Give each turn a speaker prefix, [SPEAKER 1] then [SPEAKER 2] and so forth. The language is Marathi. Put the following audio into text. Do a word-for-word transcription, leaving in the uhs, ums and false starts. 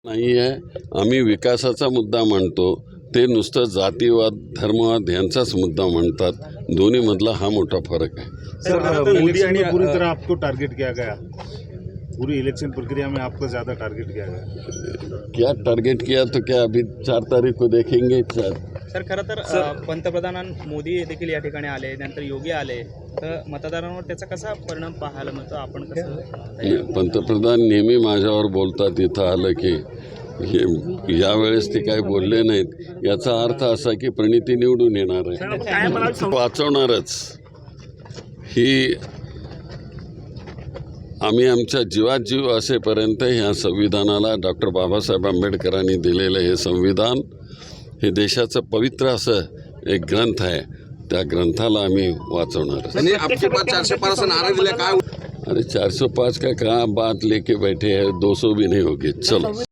[SPEAKER 1] नाही आहे. आम्ही विकासाचा मुद्दा मांडतो, ते नुसतं जातीवाद धर्मवाद यांचाच मुद्दा म्हणतात. दोन्ही मधला हा मोठा फरक है।
[SPEAKER 2] सर मोदी ने पूरी तरह आपको टारगेट किया गया, पूरी इलेक्शन प्रक्रिया में आपको ज़्यादा टारगेट किया गया।
[SPEAKER 1] क्या टारगेट किया तो क्या अभी चार तारीख को देखेंगे। चार
[SPEAKER 3] सर खरं तर पंतप्रधान मोदी देखील या ठिकाणी आले, नंतर योगी आले, तर मतदारांवर त्याचा कसा परिणाम पाहायला मिळतो, आपण कसं?
[SPEAKER 1] पंतप्रधान नेहमी माझ्यावर बोलतात, इथं आलं की हे यावेळेस ते काही बोलले नाहीत, याचा अर्थ असा की प्रणिती निवडून येणार आहे, वाचवणारच। ही आम्ही आमच्या जीवात जीव असेपर्यंत ह्या संविधानाला डॉक्टर बाबासाहेब आंबेडकरांनी दिलेलं हे संविधान हे देशाचं पवित्र असं एक ग्रंथ आहे, त्या ग्रंथाला आम्ही वाचवणार।
[SPEAKER 4] चारशे पाच नारा दिला काय?
[SPEAKER 1] अरे चार सौ पाँच का कहाँ बात लेके बैठे हैं, दो सौ भी नहीं होगी। चलो।